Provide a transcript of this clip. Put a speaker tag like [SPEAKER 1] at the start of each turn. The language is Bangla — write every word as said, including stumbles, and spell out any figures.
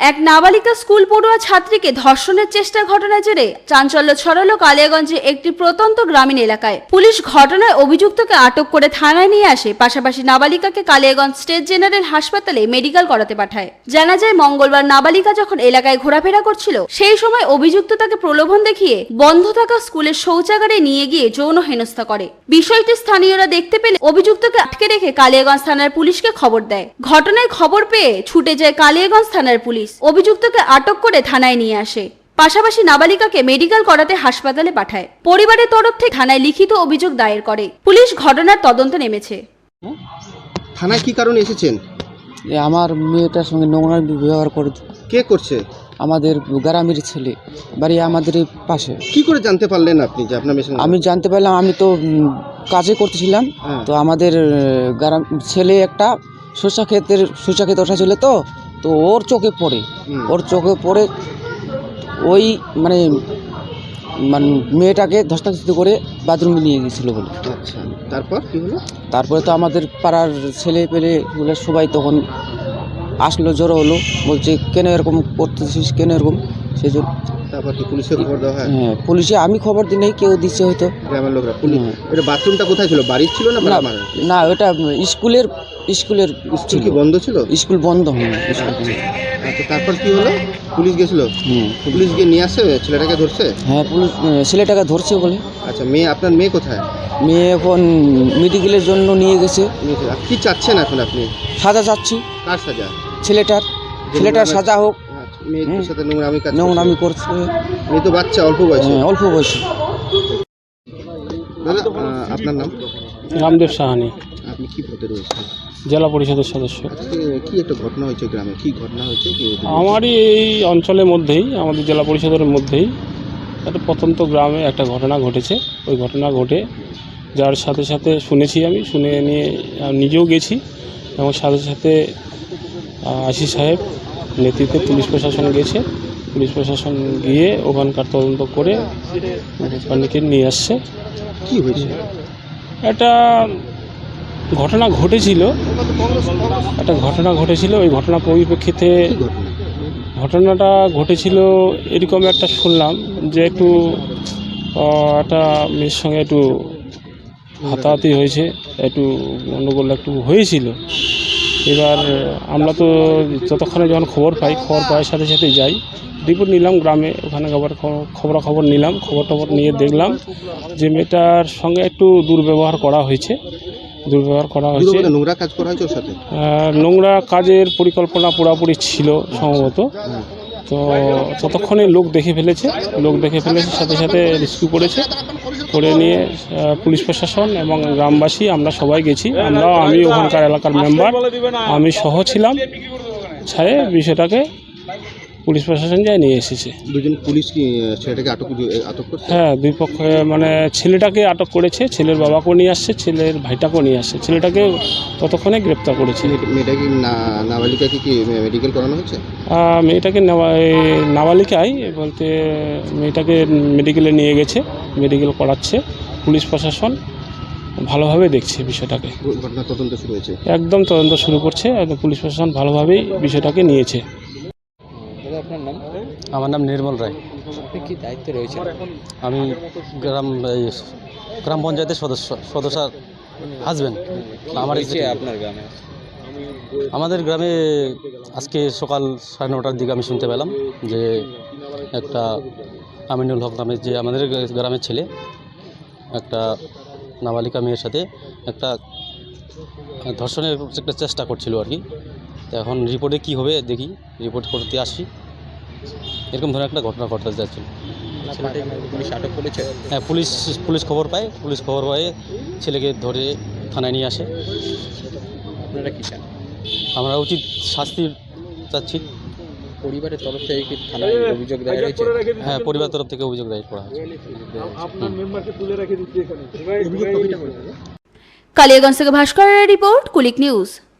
[SPEAKER 1] এক নাবালিকা স্কুল পড়ুয়া ছাত্রীকে ধর্ষণের চেষ্টার ঘটনার জেরে চাঞ্চল্য ছড়ালো কালিয়াগঞ্জের একটি প্রত্যন্ত গ্রামীণ এলাকায়। পুলিশ ঘটনায় অভিযুক্তকে আটক করে থানায় নিয়ে আসে, পাশাপাশি নাবালিকাকে কালিয়াগঞ্জ স্টেট জেনারেল হাসপাতালে মেডিকেল করাতে পাঠায়। জানা যায়, মঙ্গলবার নাবালিকা যখন এলাকায় ঘোরাফেরা করছিল, সেই সময় অভিযুক্ত তাকে প্রলোভন দেখিয়ে বন্ধ থাকা স্কুলের শৌচাগারে নিয়ে গিয়ে যৌন হেনস্থা করে। বিষয়টি স্থানীয়রা দেখতে পেলে অভিযুক্তকে আটকে রেখে কালিয়াগঞ্জ থানার পুলিশকে খবর দেয়। ঘটনায় খবর পেয়ে ছুটে যায় কালিয়াগঞ্জ থানার পুলিশ, অভিযুক্তকে আটক করে থানায় নিয়ে আসে, পাশাপাশি নাবালিকাকে মেডিকেল করাতে হাসপাতালে পাঠায়। পরিবারের তরফ থেকে থানায় লিখিত অভিযোগ দায়ের করে পুলিশ। ঘটনার তদন্তে নেমেছে।
[SPEAKER 2] থানায় কি কারণে এসেছেন?
[SPEAKER 3] আমার মেয়েটার সঙ্গে নোংরা ব্যবহার করে।
[SPEAKER 2] কে করছে?
[SPEAKER 3] আমাদের গ্রামের ছেলে, বাড়ি আমাদের পাশে।
[SPEAKER 2] কি করে জানতে পারলেন আপনি যে আপনার মেয়ে?
[SPEAKER 3] আমি জানতে পারলাম, আমি তো কাজে করতেছিলাম, তো আমাদের গ্রাম ছেলে একটা শসা ক্ষেতের শসা ক্ষেত ওঠা ছিল, তো তো ওর চোখে পড়ে ওর চোখে পড়ে ওই মানে মানে মেয়েটাকে ধস্তাধস্তি করে বাথরুমে নিয়ে গিয়েছিল বলে।
[SPEAKER 2] আচ্ছা, তারপর কি হলো?
[SPEAKER 3] তারপরে তো আমাদের পাড়ার ছেলে পেলে বলে সবাই তখন আসলো, জড়ো হলো, বলছে কেন এরকম করতেছিস, কেন এরকম, সেই জন্য।
[SPEAKER 2] তারপর কি পুলিশে খবর দেওয়া হয়?
[SPEAKER 3] হ্যাঁ, পুলিশে আমি খবর দিই নাই, কেউ দিচ্ছে হয়তো
[SPEAKER 2] গ্রামের লোকরা। পুলিশ এটা বাথরুমটা কোথায় ছিল? বাড়ির ছিল না?
[SPEAKER 3] না, ওটা স্কুলের স্কুলের
[SPEAKER 2] স্কুল কি বন্ধ ছিল?
[SPEAKER 3] স্কুল বন্ধ হয়নি।
[SPEAKER 2] আচ্ছা, তারপর কি হলো? পুলিশ গেছিল? হুম, পুলিশ গিয়ে নিয়ে আসছে, ছেলেটাকে ধরছে?
[SPEAKER 3] হ্যাঁ, পুলিশ ছেলেটাকে ধরছে বলে।
[SPEAKER 2] আচ্ছা, মেয়ে আপনার মেয়ে কোথায়?
[SPEAKER 3] মেয়ে এখন মেডিকেলের জন্য নিয়ে গেছে।
[SPEAKER 2] কি চাচ্ছেন এখন আপনি?
[SPEAKER 3] সাজা চাচ্ছি।
[SPEAKER 2] কার সাজা?
[SPEAKER 3] ছেলেটার ছেলেটার সাজা হোক।
[SPEAKER 2] মেয়ের সাথে নোংরামি কাজ
[SPEAKER 3] নোংরামি করছে।
[SPEAKER 2] মেয়ে তো বাচ্চা, অল্প বয়সে।
[SPEAKER 3] হ্যাঁ, অল্প বয়সে।
[SPEAKER 2] দাদা, আপনার নাম?
[SPEAKER 4] রামদেব সাহানি।
[SPEAKER 2] আপনি কি পদে রয়েছেন?
[SPEAKER 4] জেলা পরিষদের সদস্য।
[SPEAKER 2] কি একটা ঘটনা হয়েছে গ্রামে? কি ঘটনা হয়েছে?
[SPEAKER 4] আমারই এই অঞ্চলের মধ্যেই, আমাদের জেলা পরিষদের মধ্যেই একটা প্রত্যন্ত গ্রামে একটা ঘটনা ঘটেছে। ওই ঘটনা ঘটে যার সাথে সাথে শুনেছি, আমি শুনে নিয়ে নিজেও গেছি, এবং সাথে সাথে আশিস সাহেব নেতৃত্বে পুলিশ প্রশাসন গেছে। পুলিশ প্রশাসন গিয়ে ওখানকার তদন্ত করে ওখানকে নিয়ে আসছে।
[SPEAKER 2] কি হয়েছে?
[SPEAKER 4] একটা ঘটনা ঘটেছিল একটা ঘটনা ঘটেছিল ওই ঘটনা পরিপ্রেক্ষিতে ঘটনাটা ঘটেছিল এরকম একটা শুনলাম যে একটু একটা মেয়ের সঙ্গে একটু হাতাহাতি হয়েছে, একটু গণ্ডগোল একটু হয়েছিল। এবার আমরা তো যতক্ষণে যখন খবর পাই, খবর পাওয়ার সাথে সাথে যাই, রিপোর্ট নিলাম গ্রামে, ওখানে আবার খবরাখবর নিলাম। খবর টবর নিয়ে দেখলাম যে মেয়েটার সঙ্গে একটু দুর্ব্যবহার করা হয়েছে দুর্ব্যবহার করা হয়েছে
[SPEAKER 2] নোংরা কাজ করা হয়েছে ওর সাথে।
[SPEAKER 4] নোংরা কাজের পরিকল্পনা পুরোপুরি ছিল সম্ভবত। তো ততক্ষণে লোক দেখে ফেলেছে লোক দেখে ফেলেছে সাথে সাথে রেস্কিউ করেছে। করে নিয়ে পুলিশ প্রশাসন এবং গ্রামবাসী আমরা সবাই গেছি। আমরাও, আমি ওখানকার এলাকার মেম্বার, আমি সহ ছিলাম। ছায়ে বিষয়টাকে পুলিশ প্রশাসন যায় নিয়ে এসেছে।
[SPEAKER 2] দুজন পুলিশ কি ছেলেটাকে আটক আটক করছে? হ্যাঁ,
[SPEAKER 4] দুই পক্ষে মানে ছেলেটাকে আটক করেছে, ছেলের বাবাকেও নিয়ে আসছে, ছেলের ভাইটাকেও নিয়ে আসছে। ছেলেটাকে ততক্ষণে গ্রেপ্তার করেছে।
[SPEAKER 2] মেয়েটাকে নাবালিকাকে কি মেডিকেল করানো হয়েছে?
[SPEAKER 4] মেয়েটাকে নাবালিকায় বলতে মেয়েটাকে মেডিকেলে নিয়ে গেছে, মেডিকেল করাচ্ছে। পুলিশ প্রশাসন ভালোভাবে দেখছে বিষয়টাকে।
[SPEAKER 2] ঘটনা তদন্ত শুরু হয়েছে?
[SPEAKER 4] একদম তদন্ত শুরু করছে। পুলিশ প্রশাসন ভালোভাবেই বিষয়টাকে নিয়েছে।
[SPEAKER 2] আপনার নাম?
[SPEAKER 3] আমার নাম নির্মল রায়।
[SPEAKER 2] আপনি কি দায়িত্বে রয়েছেন?
[SPEAKER 3] আমি গ্রাম গ্রাম পঞ্চায়েতের সদস্য সদস্য হাজবেন্ড। আমার
[SPEAKER 2] আপনার গ্রামে?
[SPEAKER 3] আমাদের গ্রামে আজকে সকাল সাড়ে নটার দিকে আমি শুনতে পেলাম যে একটা আমিনুল হক নামে যে আমাদের গ্রামের ছেলে একটা নাবালিকা মেয়ের সাথে একটা ধর্ষণের একটা চেষ্টা করছিল আর কি। তো এখন রিপোর্টে কি হবে দেখি, রিপোর্ট করতে আসি। এরকম ধরনের একটা ঘটনা ঘটতে যাচ্ছিল।
[SPEAKER 2] পুলিশ আটক করেছে?
[SPEAKER 3] হ্যাঁ, পুলিশ পুলিশ খবর পায়, পুলিশ খবর পায়ে ছেলেকে ধরে থানায় নিয়ে আসে।
[SPEAKER 2] আপনারা কি চান?
[SPEAKER 3] আমরা উচিত শাস্তি চাচ্ছি।
[SPEAKER 2] পরিবারের তরফ থেকে কি থানায় অভিযোগ দায়ের হয়েছে?
[SPEAKER 3] হ্যাঁ, পরিবারের তরফ থেকে অভিযোগ দায়ের করা হয়েছে।
[SPEAKER 1] কালিয়াগঞ্জ থেকে ভাস্করের রিপোর্ট, কুলিক নিউজ।